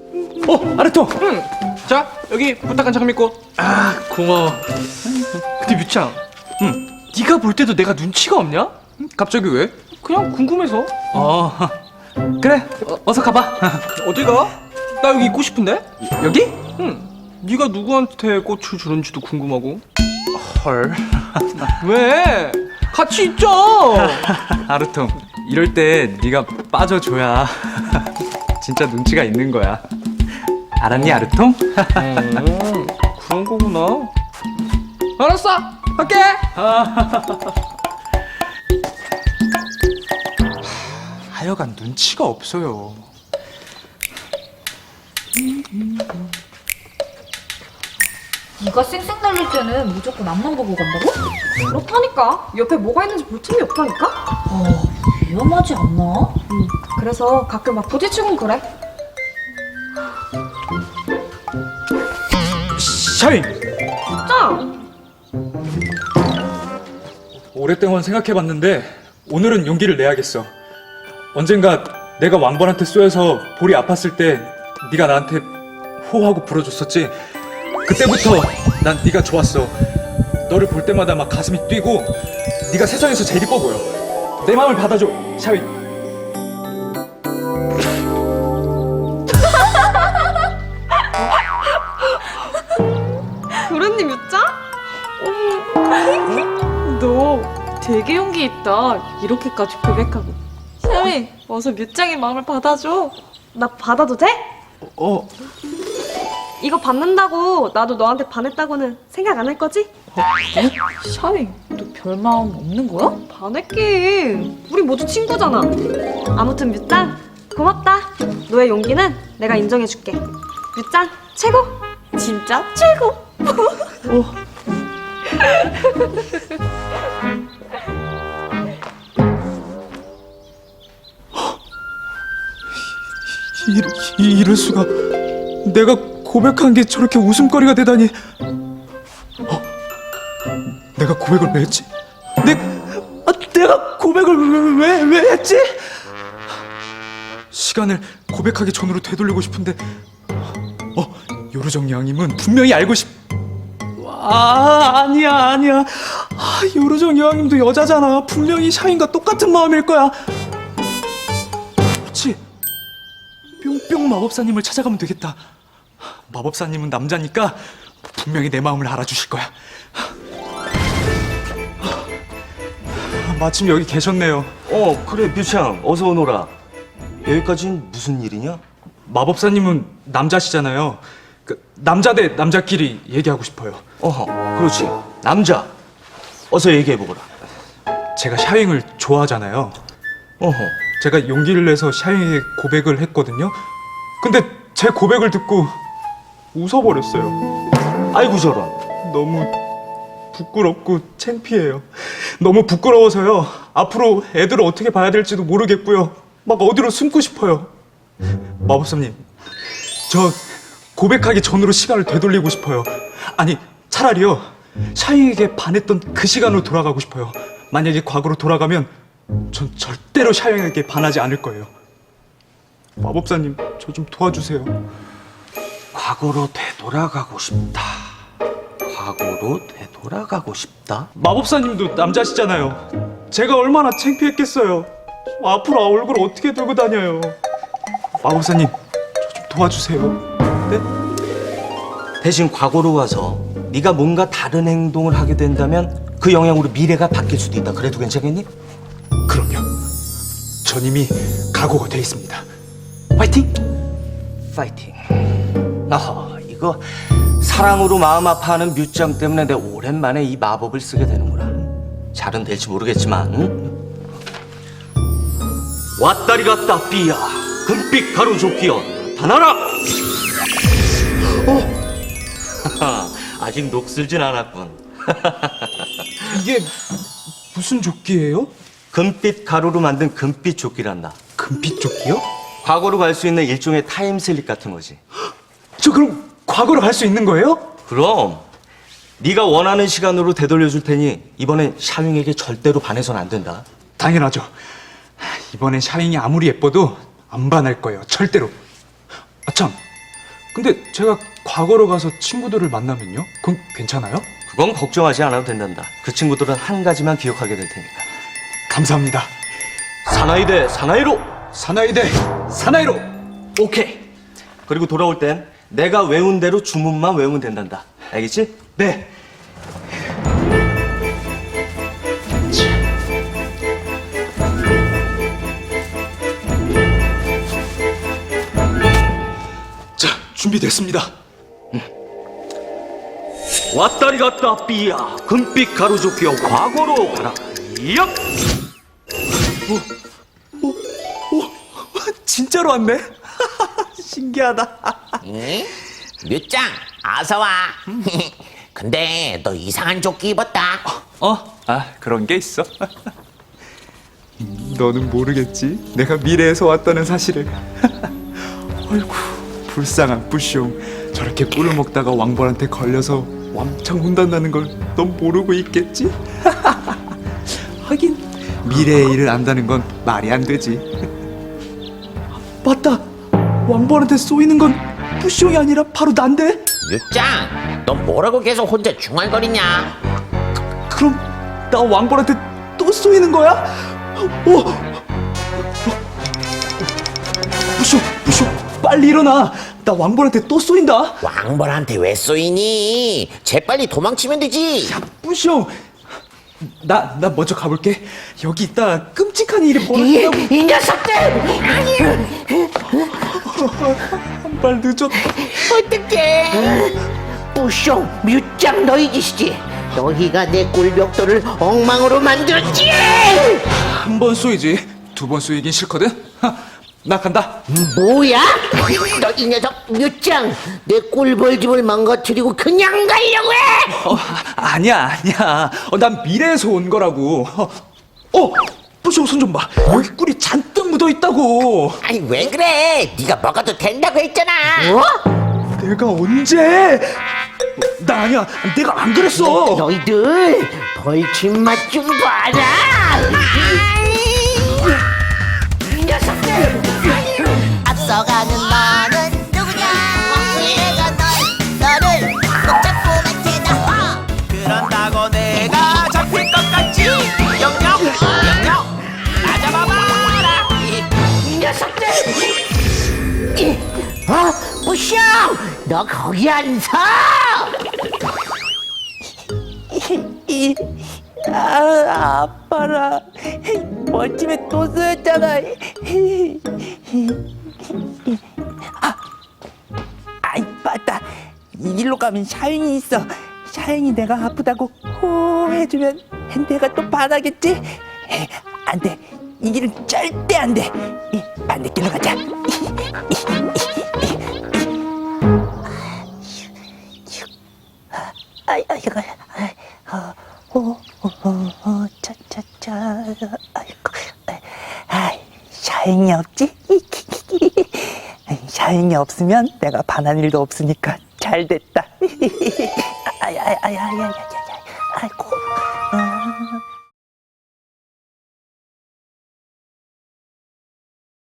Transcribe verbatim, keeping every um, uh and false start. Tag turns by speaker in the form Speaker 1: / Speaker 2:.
Speaker 1: 어, 아르토.
Speaker 2: 응. 자, 여기 부탁한 장미꽃.
Speaker 1: 아, 고마워.
Speaker 2: 근데 뮤창, 응. 네가 볼 때도 내가 눈치가 없냐? 응? 갑자기 왜? 그냥 궁금해서.
Speaker 1: 어, 그래. 어, 어서 가봐.
Speaker 2: 어디 가? 나 여기 있고 싶은데?
Speaker 1: 여기?
Speaker 2: 응. 네가 누구한테 꽃을 주는지도 궁금하고.
Speaker 1: 헐.
Speaker 2: 왜? 같이 있자.
Speaker 1: 아르토, 이럴 때 네가 빠져줘야 진짜 눈치가 있는 거야. 알았니, 아르토?
Speaker 2: 음, 그런 거구나. 알았어. 갈게.
Speaker 1: 하여간 눈치가 없어요.
Speaker 3: 네가 쌩쌩 달릴 때는 무조건 앞만 보고 간다고?
Speaker 4: 그렇다니까. 옆에 뭐가 있는지 볼 틈이 없다니까.
Speaker 3: 어, 위험하지 않나?
Speaker 4: 응. 그래서 가끔 막 부딪히곤 그래.
Speaker 1: 샤인!
Speaker 4: 진짜?
Speaker 5: 오랫동안 생각해봤는데 오늘은 용기를 내야겠어. 언젠가 내가 왕벌한테 쏘여서 볼이 아팠을 때 네가 나한테 호하고 불어줬었지. 그때부터 난 네가 좋았어. 너를 볼 때마다 막 가슴이 뛰고 네가 세상에서 제일 이뻐 보여. 내 마음을 받아줘, 샤윈.
Speaker 4: 그랬니 뮤짱? 너 되게 용기 있다. 이렇게까지 고백하고. 샤민, 어서 뮤짱의 마음을 받아줘. 나 받아도 돼?
Speaker 1: 어,
Speaker 4: 이거 받는다고 나도 너한테 반했다고는 생각 안 할 거지?
Speaker 3: 샤윙, 너 별 마음 없는 거야?
Speaker 4: 반했긴. 우리 모두 친구잖아. 아무튼 뮤짱 고맙다. 너의 용기는 내가 인정해줄게. 뮤짱 최고. 진짜 최고.
Speaker 5: 이, 이, 이럴 수가. 내가 고백한 게 저렇게 웃음거리가 되다니. 어? 내가 고백을 왜 했지? 내, 아, 내가 고백을 왜, 왜, 왜 했지? 시간을 고백하기 전으로 되돌리고 싶은데, 어, 요르정 여왕님은 분명히 알고 싶. 아, 아니야, 아니야. 아, 요르정 여왕님도 여자잖아. 분명히 샤인과 똑같은 마음일 거야. 그렇지. 뿅뿅 마법사님을 찾아가면 되겠다. 마법사님은 남자니까 분명히 내 마음을 알아주실 거야. 마침 여기 계셨네요.
Speaker 6: 어 그래 뮤창 어서 오너라. 여기까진 무슨 일이냐?
Speaker 5: 마법사님은 남자시잖아요. 그 남자 대 남자끼리 얘기하고 싶어요.
Speaker 6: 어허 그렇지 남자 어서 얘기해보거라.
Speaker 5: 제가 샤윙을 좋아하잖아요.
Speaker 6: 어허
Speaker 5: 제가 용기를 내서 샤윙에게 고백을 했거든요. 근데 제 고백을 듣고 웃어버렸어요.
Speaker 6: 아이고 저런.
Speaker 5: 너무 부끄럽고 창피해요. 너무 부끄러워서요. 앞으로 애들을 어떻게 봐야 될지도 모르겠고요. 막 어디로 숨고 싶어요. 마법사님, 저 고백하기 전으로 시간을 되돌리고 싶어요. 아니, 차라리요. 샤잉에게 반했던 그 시간으로 돌아가고 싶어요. 만약에 과거로 돌아가면 전 절대로 샤잉에게 반하지 않을 거예요. 마법사님, 저 좀 도와주세요.
Speaker 6: 과거로 되돌아가고 싶다. 과거로 되돌아가고 싶다?
Speaker 5: 마법사님도 남자시잖아요. 제가 얼마나 창피했겠어요. 앞으로 얼굴을 어떻게 들고 다녀요. 마법사님, 저 좀 도와주세요. 네?
Speaker 6: 대신 과거로 가서 네가 뭔가 다른 행동을 하게 된다면 그 영향으로 미래가 바뀔 수도 있다. 그래도 괜찮겠니?
Speaker 5: 그럼요. 전 이미 각오가 돼 있습니다. 화이팅!
Speaker 6: 파이팅. 아 이거 사랑으로 마음 아파하는 뮤짱 때문에 내가 오랜만에 이 마법을 쓰게 되는구나. 잘은 될지 모르겠지만 응? 왔다리 갔다 삐야 금빛 가루조끼여 나타나라. 어? 아직 녹슬진 않았군.
Speaker 5: 이게 무슨 조끼예요?
Speaker 6: 금빛 가루로 만든 금빛 조끼란다.
Speaker 5: 금빛 조끼요?
Speaker 6: 과거로 갈 수 있는 일종의 타임슬립 같은 거지.
Speaker 5: 저 그럼 과거로 갈 수 있는 거예요?
Speaker 6: 그럼 네가 원하는 시간으로 되돌려줄 테니 이번엔 샤윙에게 절대로 반해서는 안 된다.
Speaker 5: 당연하죠. 이번엔 샤잉이 아무리 예뻐도 안 반할 거예요. 절대로. 아 참, 근데 제가 과거로 가서 친구들을 만나면요? 그럼 괜찮아요?
Speaker 6: 그건 걱정하지 않아도 된단다. 그 친구들은 한 가지만 기억하게 될 테니까.
Speaker 5: 감사합니다.
Speaker 6: 사나이 대 사나이로.
Speaker 5: 사나이 대 사나이로.
Speaker 6: 오케이. 그리고 돌아올 땐 내가 외운 대로 주문만 외우면 된단다. 알겠지?
Speaker 5: 네. 자, 준비됐습니다.
Speaker 6: 왔다리 갔다 삐야 금빛 가루조 끼어 과거로 가라. 얍!
Speaker 5: 진짜로 왔네? 신기하다.
Speaker 7: 응? 뮤짱, 어서 와. 근데 너 이상한 조끼 입었다.
Speaker 1: 어? 아, 그런 게 있어? 너는 모르겠지? 내가 미래에서 왔다는 사실을. 아이고, 불쌍한 뿌숑. 저렇게 꿀을 먹다가 왕벌한테 걸려서 왕창 혼난다는 걸 넌 모르고 있겠지? 하긴 미래의 일을 안다는 건 말이 안 되지. 맞다. 왕벌한테 쏘이는 건 뿌숑이 아니라 바로 난데?
Speaker 7: 뮤짱, 너 뭐라고 계속 혼자 중얼거리냐?
Speaker 1: 그럼 나 왕벌한테 또 쏘이는 거야? 어? 뿌숑, 뿌숑, 빨리 일어나. 나 왕벌한테 또 쏘인다.
Speaker 7: 왕벌한테 왜 쏘이니? 재빨리 도망치면 되지.
Speaker 1: 야, 뿌숑. 나, 나 먼저 가볼게. 여기 있다 끔찍한 일이
Speaker 7: 이,
Speaker 1: 벌어진다고.
Speaker 7: 이 녀석들!
Speaker 1: 한 발 늦었다.
Speaker 7: 어떡해! 뿌숑, 뮤짱 너희 짓이지. 너희가 내 꿀벽돌을 엉망으로 만들었지!
Speaker 1: 한 번 쏘이지. 두 번 쏘이긴 싫거든. 하, 나 간다.
Speaker 7: 뭐야? 너 이 녀석 뮤짱! 내 꿀벌집을 망가뜨리고 그냥 가려고 해!
Speaker 1: 어, 아니야, 아니야. 어, 난 미래에서 온 거라고. 어, 어 뿌숑 손 좀 봐. 여기 꿀이 잔뜩 묻어 있다고.
Speaker 7: 아니 왜 그래? 네가 먹어도 된다고 했잖아. 어?
Speaker 1: 내가 언제? 나 아니야. 내가 안 그랬어.
Speaker 7: 너희들 벌집 맛 좀 봐라. 이 녀석들.
Speaker 8: 앞서가는 너는 누구냐? 내가 널 너를 꼭 잡고 갈 테다.
Speaker 9: 그런다고 내가 잡힐 것 같지? 영영 영영 나 잡아봐라.
Speaker 7: 이 녀석들. 이, 어? 뿌숑! 너 거기 안 서!
Speaker 9: 아 아파라. 벌집에 또 쏘였잖아. 아, 아이 맞다. 이 길로 가면 샤인이 있어. 샤인이 내가 아프다고 호 해주면 내가 또 반하겠지? 안돼. 이 길은 절대 안돼. 반대길로 가자. 아이 아이고 어어어 차차차 아이고 아 샤인이 없지? 샤인이 없으면 내가 반한 일도 없으니까 잘 됐다. 아야야야야야야 아이고